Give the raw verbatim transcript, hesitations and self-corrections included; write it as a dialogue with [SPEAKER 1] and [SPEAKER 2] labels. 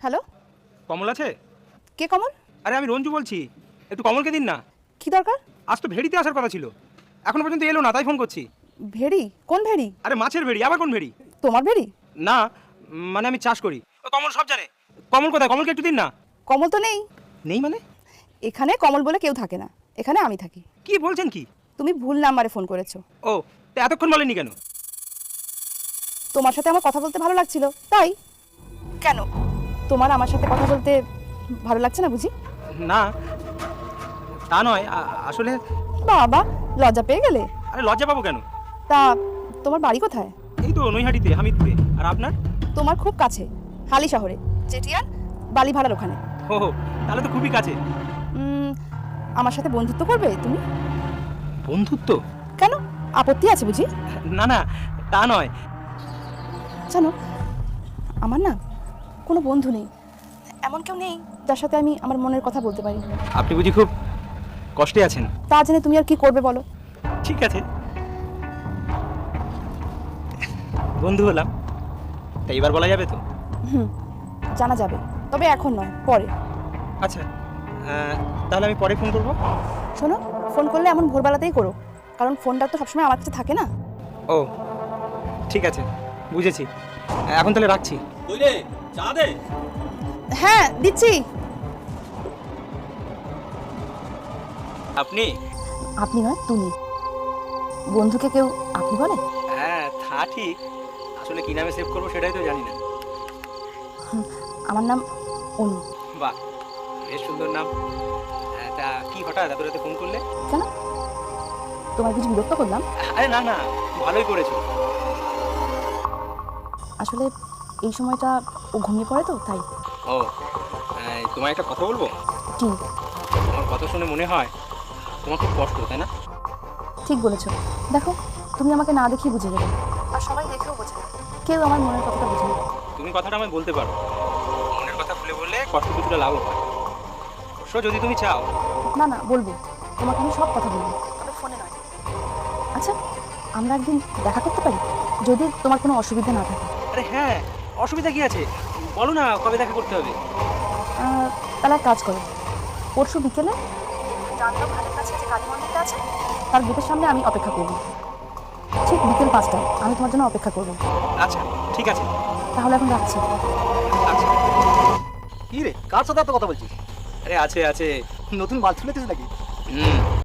[SPEAKER 1] Hello,
[SPEAKER 2] কমল আছে?
[SPEAKER 1] কে কমল?
[SPEAKER 2] আরে আমি রঞ্জু বলছি, একটু কমলকে দিন না।
[SPEAKER 1] কি দরকার?
[SPEAKER 2] আজ তো ভেড়িতে আসার কথা ছিল, এখনো পর্যন্ত এলো না, তাই ফোন করছি।
[SPEAKER 1] ভেড়ি? কোন ভেড়ি?
[SPEAKER 2] আরে মাছের ভেড়ি, আবার কোন ভেড়ি?
[SPEAKER 1] তোমার ভেড়ি?
[SPEAKER 2] না, উম, মানে আমি চাষ করি। ও কমল সব জানে। কমল কোথায়? কমলকে একটু দিন না।
[SPEAKER 1] কমল তো নেই
[SPEAKER 2] নেই মানে?
[SPEAKER 1] এখানে। কমল বলে কেউ থাকে না এখানে, আমি থাকি।
[SPEAKER 2] কি বলছেন কি?
[SPEAKER 1] তুমি ভুল নাম্বারে ফোন করেছো।
[SPEAKER 2] ও, তা এতক্ষণ বলেনি কেন?
[SPEAKER 1] তোমার সাথে আমার কথা বলতে ভালো লাগছিল তাই। কেন, তোমার আমার সাথে কথা বলতে ভালো লাগছে না বুঝি?
[SPEAKER 2] না, তা নয়, আ- আসলে
[SPEAKER 1] বাবা, লজ্জা পেয়ে গেলে?
[SPEAKER 2] আরে লজ্জা পাবো কেন?
[SPEAKER 1] তা তোমার বাড়ি কোথায়?
[SPEAKER 2] এই তো নৈহাটিতে, হামিদপুরে। আর আপনার?
[SPEAKER 1] তোমার খুব কাছে, হালি শহরে, চেটিয়ার বালিভাড়ার ওখানে।
[SPEAKER 2] ও, তাহলে তো খুবই কাছে।
[SPEAKER 1] উম, আমার সাথে বন্ধুত্ব করবে তুমি?
[SPEAKER 2] বন্ধুত্ব?
[SPEAKER 1] কেন, আপত্তি আছে বুঝি?
[SPEAKER 2] না না, তা নয়।
[SPEAKER 1] জানো, আমার না কোনো বন্ধু নেই, এমন কেউ নেই যার সাথে আমি আমার মনের কথা বলতে পারি।
[SPEAKER 2] আপনি বুঝি খুব কষ্টে আছেন?
[SPEAKER 1] তা জেনে তুমি আর কি করবে বলো?
[SPEAKER 2] ঠিক আছে, বন্ধু হলাম, তা এবার বলা যাবে তো?
[SPEAKER 1] হুম, জানা যাবে, তবে এখন নয়, পরে।
[SPEAKER 2] আচ্ছা, আহ, তাহলে আমি পরে ফোন করবো।
[SPEAKER 1] শোনো, ফোন করলে এমন ভোরবেলাতেই করো, কারণ ফোনটা তো সবসময় আমার কাছে থাকে না।
[SPEAKER 2] ও, ঠিক আছে, বুঝেছি। এখন তাহলে রাখছি।
[SPEAKER 3] বুঝলে চা দে।
[SPEAKER 1] হ্যাঁ দিচ্ছি।
[SPEAKER 2] আপনি?
[SPEAKER 1] আপনি নয় তুমি। বন্ধুকে কেউ আপনি বলে?
[SPEAKER 2] হ্যাঁ, তা ঠিক। আসলে কি নামে সেভ করবো সেটাই তো জানি না।
[SPEAKER 1] হুম, আমার নাম অনু।
[SPEAKER 2] বাহ, বেশ সুন্দর নাম। হ্যাঁ, তা কি হঠাৎ এত রাতে ফোন করলে?
[SPEAKER 1] কেন, তোমার কিছু বিরক্ত করলাম?
[SPEAKER 2] আরে না না, ভালোই করেছো।
[SPEAKER 1] আসলে এই সময়টা ও ঘুমিয়ে পড়ে তো তাই।
[SPEAKER 2] ও, এই, তোমায় একটা কথা বলবো।
[SPEAKER 1] কি?
[SPEAKER 2] তোমার কথা শুনে মনে হয় তোমার খুব কষ্ট, তাই না?
[SPEAKER 1] ঠিক বলেছো। দেখো, তুমি আমাকে না দেখেই বুঝে গেলে, আর সবাই দেখেও বোঝে না, কেউ আমার মনের কথাটা বুঝে না।
[SPEAKER 2] তুমি কথাটা আমায় বলতে পারো, মনের কথা খুলে বললে কষ্ট কিছুটা লাভ হয়। অবশ্য যদি তুমি চাও।
[SPEAKER 1] না না, বলবো, তোমাকে আমি সব কথা বলবো, তবে ফোনে নয়। আচ্ছা, আমরা একদিন দেখা করতে পারি, যদি তোমার কোনো অসুবিধা না থাকে।
[SPEAKER 2] আরে হ্যাঁ, অসুবিধা কি আছে? বলো না কবে দেখা করতে হবে।
[SPEAKER 1] আহ, তাহলে এক কাজ করো, পরশু বিকেলে জানলাম ঘাটের কাছে যে কালী মন্দিরটা আছে, তার গেটের সামনে আমি অপেক্ষা করব। ঠিক বিকেল পাঁচটায় আমি তোমার জন্য অপেক্ষা করব।
[SPEAKER 2] আচ্ছা, ঠিক আছে।
[SPEAKER 1] তাহলে এখন রাখছি।
[SPEAKER 2] আচ্ছা।
[SPEAKER 3] কি রে, কার সাথে এত কথা বলছিস?
[SPEAKER 2] আরে আছে আছে।
[SPEAKER 3] নতুন মাল তুলেছিস নাকি?
[SPEAKER 2] হুম।